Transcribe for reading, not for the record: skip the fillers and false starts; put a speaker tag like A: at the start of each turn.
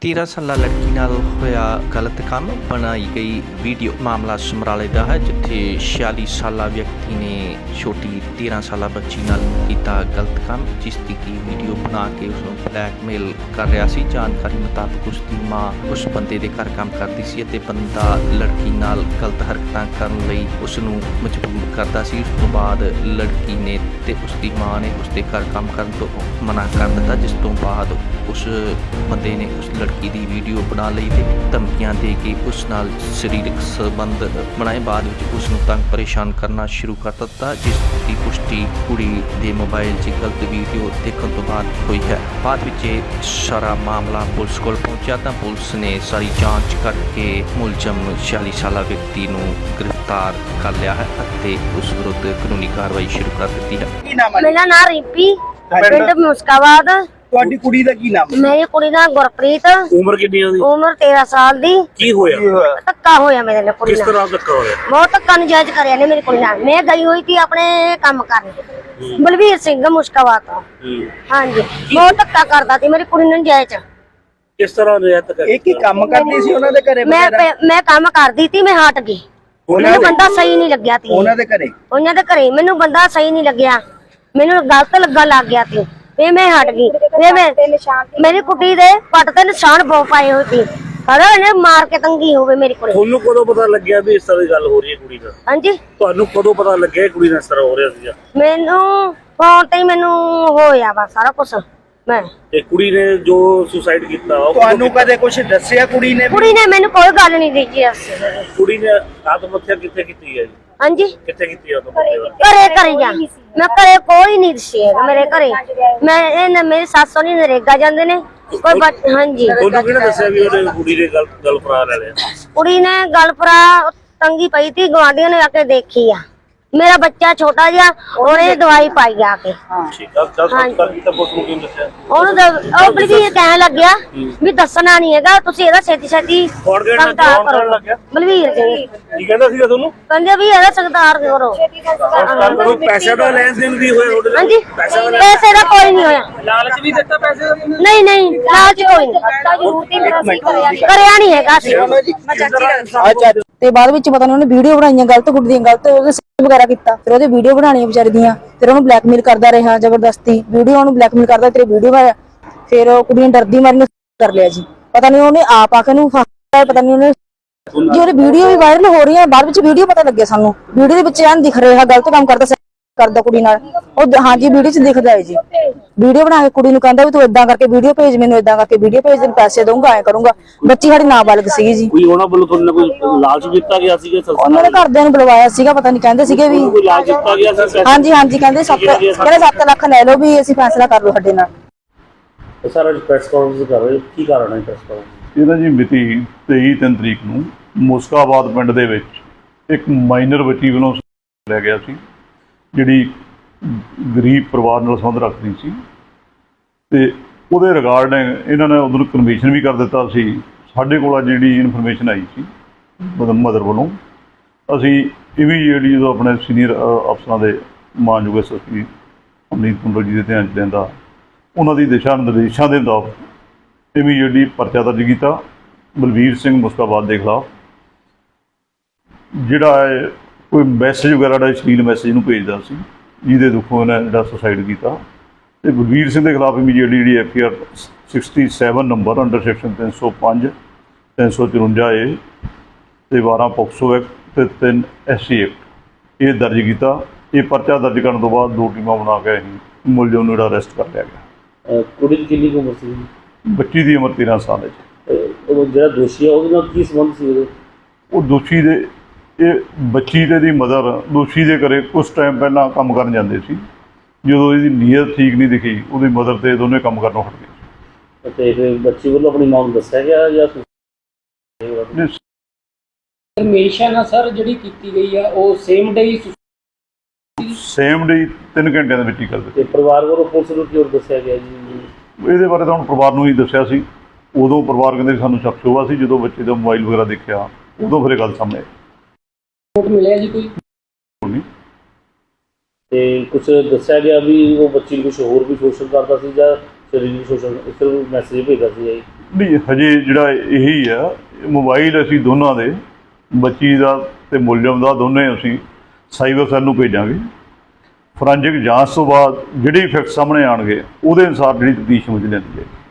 A: 13 ਸਾਲਾ ਲੜਕੀ ਨਾਲ ਹੋਇਆ ਗਲਤ ਕੰਮ, ਬਣਾਈ ਗਈ ਵੀਡੀਓ। ਮਾਮਲਾ ਸਮਰਾਲੇ ਦਾ ਹੈ, ਜਿੱਥੇ 46 ਸਾਲਾ ਵਿਅਕਤੀ ਨੇ ਛੋਟੀ 13 ਸਾਲਾ ਬੱਚੀ ਨਾਲ ਕੀਤਾ ਗਲਤ ਕੰਮ, ਜਿਸ ਦੀ ਕੀ ਵੀਡੀਓ ਬਣਾ ਕੇ ਉਸ ਨੂੰ ਬਲੈਕਮੇਲ ਕਰ ਰਿਹਾ ਸੀ। ਜਾਣਕਾਰੀ ਮੁਤਾਬਕ ਉਸ ਦੀ ਮਾਂ ਉਸ ਬੰਦੇ ਦੇ ਘਰ ਕੰਮ ਕਰਦੀ ਸੀ ਅਤੇ ਬੰਦਾ ਲੜਕੀ ਨਾਲ ਗਲਤ ਹਰਕਤਾਂ ਕਰਨ ਲਈ ਉਸ ਨੂੰ ਮਜਬੂਰ ਕਰਦਾ ਸੀ। ਉਸ ਤੋਂ ਬਾਅਦ ਲੜਕੀ ਨੇ ਤੇ ਉਸ ਦੀ ਮਾਂ ਨੇ ਉਸ ਦੇ ਘਰ ਕੰਮ ਕਰਨ ਤੋਂ ਮਨਾ ਕਰ ਦਿੱਤਾ, ਜਿਸ ਤੋਂ ਬਾਅਦ ਉਸ ਬੰਦੇ ਨੇ ਉਸ ਲੜਕੀ ਦੀ ਵੀਡੀਓ ਬਣਾ ਲਈ ਤੇ ਧਮਕੀਆਂ ਦੇ ਕੇ ਉਸ ਨਾਲ ਸਰੀਰਕ ਸੰਬੰਧ ਬਣਾਏ। ਬਾਅਦ ਵਿੱਚ ਉਸ ਨੂੰ ਤੰਗ ਪਰੇਸ਼ਾਨ ਕਰਨਾ ਸ਼ੁਰੂ ਕਰ ਦਿੱਤਾ, ਜਿਸ ਦੀ ਪੁਸ਼ਟੀ ਕੁੜੀ ਦੇ ਮੋਬਾਈਲ 'ਚ ਗਲਤ ਵੀਡੀਓ ਦੇਖਣ ਤੋਂ ਬਾਅਦ ਹੋਈ ਹੈ। ਬਾਅਦ ਵਿੱਚ ਇਹ ਸਾਰਾ ਮਾਮਲਾ ਪੁਲਿਸ ਕੋਲ ਪਹੁੰਚਿਆ ਤਾਂ ਪੁਲਿਸ ਨੇ ਸਾਰੀ ਜਾਂਚ ਕਰਕੇ ਮੁਲਜ਼ਮ 46 ਸਾਲਾ ਵਿਅਕਤੀ ਨੂੰ ਗ੍ਰਿਫਤਾਰ ਕਰ ਲਿਆ ਹੈ ਅਤੇ ਉਸ ਵਿਰੁੱਧ ਕਾਨੂੰਨੀ ਕਾਰਵਾਈ ਸ਼ੁਰੂ ਕਰ ਦਿੱਤੀ ਹੈ।
B: ਮੇਰਾ ਨਾਮ ਰਿੰਪੀ, ਪਿੰਡ ਮੁਸਕਾਬਾਦ।
C: ਤੁਹਾਡੀ ਕੁੜੀ ਦਾ ਕੀ ਨਾਮ?
B: ਮੇਰੀ ਕੁੜੀ ਦਾ ਗੁਰਪ੍ਰੀਤ।
C: ਉਮਰ ਕਿੰਨੀ ਆ ਉਹਦੀ?
B: ਉਮਰ 13 ਸਾਲ ਦੀ।
C: ਕੀ ਹੋਇਆ?
B: ਧੱਕਾ ਹੋਇਆ ਮੇਰੇ ਨਾਲ ਕੁੜੀ
C: ਕਿਸ
B: ਨਾਲ।
C: ਤਰ੍ਹਾਂ ਧੱਕਾ ਹੋਇਆ?
B: ਬਹੁਤ ਧੱਕਾ ਨਜਾਇਜ਼ ਕਰਿਆ ਨੇ ਮੇਰੀ ਕੁੜੀ ਨਾਲ। ਮੈਂ ਗਈ ਹੋਈ ਸੀ ਆਪਣੇ ਕੰਮ ਕਰਨ, ਬਲਵੀਰ ਸਿੰਘ ਮੁਸਕਾਬਾਦ ਤੋਂ। ਹਾਂਜੀ, ਬਹੁਤ ਧੱਕਾ ਕਰਦਾ ਸੀ ਮੇਰੀ ਕੁੜੀ ਨੂੰ ਨਜਾਇਜ਼।
C: ਕਿਸ ਤਰ੍ਹਾਂ ਰਿਆਇਤ ਕਰ? ਇੱਕ ਹੀ ਕੰਮ ਕਰਦੀ ਸੀ ਉਹਨਾਂ ਦੇ ਘਰੇ?
B: ਮੈਂ ਕੰਮ ਕਰਦੀ ਸੀ, ਮੈਂ ਹਟ ਗਈ। ਮੈਨੂੰ ਬੰਦਾ ਸਹੀ ਨਹੀਂ ਲੱਗਿਆ ਸੀ
C: ਉਹਨਾਂ ਦੇ ਘਰੇ।
B: ਉਹਨਾਂ ਦੇ ਘਰੇ ਮੈਨੂੰ ਬੰਦਾ ਸਹੀ ਨਹੀਂ ਲੱਗਿਆ, ਮੈਨੂੰ ਗਲਤ ਲੱਗਾ ਲੱਗ ਗਿਆ ਸੀ। ਫੇਰ ਮੈਂ ਹਟ ਗਈ। ਮੇਰੀ ਕੁੜੀ ਦੇ ਪੱਟ ਤੇ ਨਿਸ਼ਾਨ ਬਹੁਤ ਪਾਏ ਹੋਏ ਸੀ। ਖੜਾ ਇਹਨੇ ਮਾਰ ਕੇ ਤੰਗੀ ਹੋਵੇ ਮੇਰੀ ਕੁੜੀ।
C: ਤੁਹਾਨੂੰ ਕਦੋਂ ਪਤਾ ਲੱਗਿਆ ਵੀ ਇਸ ਤਰ੍ਹਾਂ ਦੀ ਗੱਲ ਹੋ ਰਹੀ ਹੈ ਕੁੜੀ ਨਾਲ?
B: ਹਾਂਜੀ,
C: ਤੁਹਾਨੂੰ ਕਦੋਂ ਪਤਾ ਲੱਗਿਆ ਕੁੜੀ ਨਾਲ ਇਸ ਤਰ੍ਹਾਂ ਹੋ ਰਿਹਾ ਸੀਗਾ?
B: ਮੈਨੂੰ ਫੋਨ ਤੇ ਮੈਨੂੰ ਹੋਇਆ ਵਾ ਸਾਰਾ ਕੁਝ। ਮੈਂ
C: ਤੇ ਕੁੜੀ ਨੇ ਜੋ ਸੁਸਾਈਡ ਕੀਤਾ, ਤੁਹਾਨੂੰ ਕਦੇ ਕੁਝ ਦੱਸਿਆ ਕੁੜੀ ਨੇ?
B: ਕੁੜੀ ਨੇ ਮੈਨੂੰ ਕੋਈ ਗੱਲ ਨਹੀਂ ਦਿੱਤੀ।
C: ਕੁੜੀ ਨੇ ਆਤਮ ਹੱਤਿਆ ਕਿੱਥੇ ਕੀਤੀ ਹੈ ਜੀ?
B: ਹਾਂਜੀ,
C: ਕਿੱਥੇ ਕੀਤੀ ਆਤਮ ਹੱਤਿਆ?
B: ਘਰੇ ਜਾ ਮੈਂ ਘਰੇ ਕੋਈ ਨਹੀਂ ਦੱਸਿਆ ਮੇਰੇ ਘਰੇ। ਮੈਂ ਮੇਰੀ ਸੱਸ ਸੋਨੀ ਨਰੇਗਾ ਜਾਂਦੇ ਨੇ ਕੋਈ। ਹਾਂਜੀ,
C: ਤੁਹਾਨੂੰ ਕਿਹਨੇ ਦੱਸਿਆ ਵੀ ਉਹਨੇ ਕੁੜੀ ਦੇ ਗੱਲ ਫਰਾ ਲੈ ਲਿਆ?
B: ਕੁੜੀ ਨੇ ਗੱਲ ਫਰਾ ਤੰਗੀ ਪਈ ਤੀ, ਗਵਾਂਢੀਆਂ ਨੇ ਆ ਕੇ ਦੇਖੀ ਆ। ਮੇਰਾ ਬੱਚਾ ਛੋਟਾ ਜਿਹਾ, ਉਹਨੇ ਦਵਾਈ ਪਾਈ ਆ ਕੇ।
C: ਠੀਕ ਆ, ਉਹਨੂੰ ਦੱਸਿਆ?
B: ਉਹਨੂੰ ਉਹ ਬਲਵੀਰ ਕਹਿਣ ਲੱਗਿਆ ਵੀ ਦੱਸਣਾ ਨਹੀਂ ਹੈਗਾ, ਤੁਸੀਂ ਇਹਦਾ ਛੇਤੀ ਛੇਤੀ ਸੰਗਤਾਰ ਕਰੋ। ਬਲਵੀਰ
C: ਕੀ ਕਹਿੰਦਾ ਸੀਗਾ ਤੁਹਾਨੂੰ?
B: ਕਹਿੰਦੇ ਵੀ ਇਹਦਾ ਸੰਗਤਾਰ ਕਰੋ।
C: ਪੈਸੇ ਦਾ ਲੈਣ ਦੇਣ ਵੀ ਹੋਇਆ?
B: ਹਾਂਜੀ, ਪੈਸੇ ਦਾ ਕੋਈ ਨਹੀਂ ਹੋਇਆ।
C: ਲਾਲਚ ਵੀ ਦਿੱਤਾ ਪੈਸੇ ਦਾ?
B: ਨਹੀਂ ਨਹੀਂ, ਲਾਲਚ ਕੋਈ ਨਹੀਂ ਕਰਿਆ ਨਹੀਂ ਹੈਗਾ।
D: ਤੇ ਬਾਅਦ ਵਿੱਚ ਪਤਾ ਨਹੀਂ ਉਹਨੇ ਵੀਡੀਓ ਬਣਾਈਆਂ ਗਲਤ, ਕੁੜੀ ਦੀਆਂ ਗਲਤ ਉਹਦੇ ਵਗੈਰਾ ਕੀਤਾ। ਫਿਰ ਉਹਦੇ ਵੀਡੀਓ ਬਣਾਉਣੀਆਂ ਵਿਚਾਰੀ ਦੀਆਂ, ਫਿਰ ਉਹਨੂੰ ਬਲੈਕਮੇਲ ਕਰਦਾ ਰਿਹਾ ਜ਼ਬਰਦਸਤੀ। ਵੀਡੀਓ ਉਹਨੂੰ ਬਲੈਕਮੇਲ ਕਰਦਾ, ਤੇਰੇ ਵੀਡੀਓ ਆਇਆ। ਫਿਰ ਉਹ ਕੁੜੀ ਨੇ ਡਰਦੀ ਮਾਰੀ ਨੂੰ ਕਰ ਲਿਆ ਜੀ। ਪਤਾ ਨਹੀਂ ਉਹਨੇ ਆਪ ਆ ਕੇ ਨੂੰ ਫਾਇਆ, ਪਤਾ ਨਹੀਂ ਉਹਨੇ ਜੀ। ਉਹਦੀ ਵੀਡੀਓ ਵੀ ਵਾਇਰਲ ਹੋ ਰਹੀ ਹੈ। ਬਾਅਦ ਵਿੱਚ ਵੀਡੀਓ ਪਤਾ ਲੱਗਿਆ ਸਾਨੂੰ, ਵੀਡੀਓ ਦੇ ਵਿੱਚ ਐਂ ਦਿਖ ਰਿਹਾ ਗਲਤ ਕੰਮ ਕਰਦਾ ਕੁੜੀ ਨਾਲ ਉਹ। ਹਾਂਜੀ, ਵੀਡੀਓ 'ਚ ਦਿਖਦਾ ਹੈ ਜੀ। ਵੀਡੀਓ ਬਣਾ ਕੇ ਕੁੜੀ ਨੂੰ ਕਹਿੰਦਾ ਵੀ ਤੂੰ ਏਦਾਂ ਕਰਕੇ ਵੀਡੀਓ ਭੇਜ, ਮੈਨੂੰ ਏਦਾਂ ਕਰਕੇ ਵੀਡੀਓ ਭੇਜ, ਤੈਨੂੰ ਪੈਸੇ ਦਊਂਗਾ, ਐਂ ਕਰੂੰਗਾ। ਬੱਚੀ ਸਾਡੀ ਨਾਬਾਲਗ ਸੀਗੀ ਜੀ।
C: ਕੋਈ ਉਹਨਾਂ ਵੱਲੋਂ ਤੁਹਾਨੂੰ ਕੋਈ ਲਾਲਚ ਦਿੱਤਾ ਗਿਆ ਸੀਗਾ?
D: ਉਹਨਾਂ ਦੇ ਘਰਦਿਆਂ ਨੂੰ ਬੁਲਵਾਇਆ ਸੀਗਾ, ਪਤਾ ਨਹੀਂ ਕਹਿੰਦੇ ਸੀਗੇ ਵੀ
C: ਕੋਈ ਲਾਲਚ ਦਿੱਤਾ ਗਿਆ ਸੀ?
D: ਹਾਂਜੀ ਹਾਂਜੀ, ਕਹਿੰਦੇ 7 ਲੱਖ ਲੈ ਲਓ ਵੀ ਅਸੀਂ ਫੈਸਲਾ ਕਰ ਲਓ ਸਾਡੇ ਨਾਲ।
C: ਸਾਰਾ ਪ੍ਰੈਸ ਕਾਨਫਰੰਸ ਕਰ ਰਹੇ, ਕੀ ਕਾਰਨ ਹੈ ਪ੍ਰੈਸ ਕਾਨਫਰੰਸ?
E: ਇਹਦਾ ਜੀ ਮਿਤੀ 23-3 ਤਰੀਕ ਨੂੰ ਮੁਸਕਾਬਾਦ ਪਿੰਡ ਦੇ ਵਿੱਚ ਇੱਕ ਮਾਈਨਰ ਬੱਚੀ ਵੱਲੋਂ ਲਿਆ ਗਿਆ ਸੀ, ਜਿਹੜੀ ਗਰੀਬ ਪਰਿਵਾਰ ਨਾਲ ਸੰਬੰਧ ਰੱਖਦੀ ਸੀ। ਤੇ ਉਹਦੇ ਰਿਗਾਰਡਿੰਗ ਇਹਨਾਂ ਨੇ ਉਦੋਂ ਕਨਵੀਸ਼ਨ ਵੀ ਕਰ ਦਿੱਤਾ ਸੀ। ਸਾਡੇ ਕੋਲ ਜਿਹੜੀ ਇਨਫੋਰਮੇਸ਼ਨ ਆਈ ਸੀ ਮਦਰ ਵੱਲੋਂ, ਅਸੀਂ ਇਮੀਡੀਏਟਲੀ ਜਦੋਂ ਆਪਣੇ ਸੀਨੀਅਰ ਅਫਸਰਾਂ ਦੇ ਮਾਨਯੋਗ ਐਸਐਸਪੀ ਅਮਨੀਤ ਕੁੰਡਲ ਜੀ ਦੇ ਧਿਆਨ 'ਚ ਲੈਂਦਾ, ਉਹਨਾਂ ਦੀ ਦਿਸ਼ਾ ਨਿਰਦੇਸ਼ਾਂ ਦੇ ਮੁਤਾਬਕ ਇਮੀਡੀਏਟਲੀ ਪਰਚਾ ਦਰਜ ਕੀਤਾ ਬਲਵੀਰ ਸਿੰਘ ਮੁਸਕਾਬਾਦ ਦੇ ਖਿਲਾਫ, ਜਿਹੜਾ ਹੈ ਕੋਈ ਮੈਸੇਜ ਵਗੈਰਾ ਦਾ ਅਸ਼ਲੀਲ ਮੈਸੇਜ ਨੂੰ ਭੇਜਦਾ ਸੀ, ਜਿਹਦੇ ਦੁੱਖੋਂ ਉਹਨੇ ਜਿਹੜਾ ਸੁਸਾਈਡ ਕੀਤਾ। ਤੇ ਬਲਵੀਰ ਸਿੰਘ ਦੇ ਖਿਲਾਫ ਇਮੀਡੀਏਟਲੀ ਜਿਹੜੀ FIR 67 number under section 305, 354A ਤੇ 12 ਪੋਕਸੋ ਐਕਟ ਤੇ 3 SC ਐਕਟ ਇਹ ਦਰਜ ਕੀਤਾ। ਇਹ ਪਰਚਾ ਦਰਜ ਕਰਨ ਤੋਂ ਬਾਅਦ 2 ਟੀਮਾਂ ਬਣਾ ਕੇ ਅਸੀਂ ਮੁਲਜ਼ਮ ਨੂੰ ਜਿਹੜਾ ਅਰੈਸਟ ਕਰ ਲਿਆ ਗਿਆ।
C: ਕੁੜੀ ਦੀ ਕਿੰਨੀ ਉਮਰ ਸੀ?
E: ਬੱਚੀ ਦੀ ਉਮਰ 13 ਸਾਲ ਹੈ।
C: ਉਹ ਜਿਹੜਾ ਦੋਸ਼ੀ ਹੈ ਉਹਦੇ ਨਾਲ ਕੀ ਸੰਬੰਧ ਸੀ ਉਹਦੇ? ਉਹ
E: ਦੋਸ਼ੀ ਦੇ ਇਹ ਬੱਚੀ ਤੇ ਦੀ ਮਦਰ ਦੋਸ਼ੀ ਦੇ ਘਰੇ ਕੁਛ ਟਾਈਮ ਪਹਿਲਾਂ ਕੰਮ ਕਰਨ ਜਾਂਦੇ ਸੀ। ਜਦੋਂ ਇਹਦੀ ਨੀਅਤ ਠੀਕ ਨਹੀਂ ਦਿਖੀ, ਉਹਦੀ ਮਦਰ ਤੇ ਦੋਨੇ ਕੰਮ ਕਰਨੋਂ ਹਟ ਗਏ।
C: ਤੇ ਫਿਰ ਬੱਚੀ ਵੱਲੋਂ ਆਪਣੀ ਮਾਂ ਨੂੰ ਦੱਸਿਆ ਗਿਆ ਜਾਂ
F: ਇਨਫੋਰਮੇਸ਼ਨ ਆ ਸਰ ਜਿਹੜੀ ਕੀਤੀ ਗਈ ਆ ਉਹ ਸੇਮ ਡੇ
E: 3 ਘੰਟਿਆਂ ਦੇ ਵਿੱਚ ਹੀ ਕਰ ਦਿੱਤੀ।
C: ਤੇ ਪਰਿਵਾਰ ਵੱਲੋਂ ਪੁਲਿਸ ਨੂੰ ਕਿਉਂ ਦੱਸਿਆ ਗਿਆ ਜੀ?
E: ਇਹਦੇ ਬਾਰੇ ਤਾਂ ਹੁਣ ਪਰਿਵਾਰ ਨੂੰ ਹੀ ਦੱਸਿਆ ਸੀ। ਉਦੋਂ ਪਰਿਵਾਰ ਕਹਿੰਦੇ ਸਾਨੂੰ ਸ਼ੱਕ ਸ਼ੁਬਾ ਸੀ, ਜਦੋਂ ਬੱਚੇ ਦਾ ਮੋਬਾਈਲ ਵਗੈਰਾ ਦੇਖਿਆ ਉਦੋਂ ਫਿਰ ਇਹ ਗੱਲ ਸਾਹਮਣੇ
F: ਰਿਪੋਰਟ ਮਿਲਿਆ ਜੀ ਕੋਈ?
C: ਤੇ ਕੁਝ ਦੱਸਿਆ ਗਿਆ ਵੀ ਉਹ ਬੱਚੀ ਨੂੰ ਕੁਝ ਹੋਰ ਵੀ ਸ਼ੋਸ਼ਣ ਕਰਦਾ ਸੀ ਜਾਂ ਸਰੀਰਕ ਸ਼ੋਸ਼ਣ, ਇਸ ਤਰ੍ਹਾਂ ਮੈਸੇਜ ਭੇਜਦਾ ਸੀ ਜੀ?
E: ਨਹੀਂ ਹਜੇ ਜਿਹੜਾ ਇਹੀ ਆ, ਮੋਬਾਈਲ ਅਸੀਂ ਦੋਨਾਂ ਦੇ, ਬੱਚੀ ਦਾ ਤੇ ਮੁਲਜ਼ਮ ਦਾ, ਦੋਨੇ ਅਸੀਂ ਸਾਈਬਰ ਸੈੱਲ ਨੂੰ ਭੇਜਾਂਗੇ। ਫੋਰੈਂਸਿਕ ਜਾਂਚ ਤੋਂ ਬਾਅਦ ਜਿਹੜੇ ਫੈਕਟ ਸਾਹਮਣੇ ਆਉਣਗੇ ਉਹਦੇ ਅਨੁਸਾਰ ਜਿਹੜੀ ਤਫਤੀਸ਼ ਸਮਝ ਲੈਂਦੀ ਹੈ।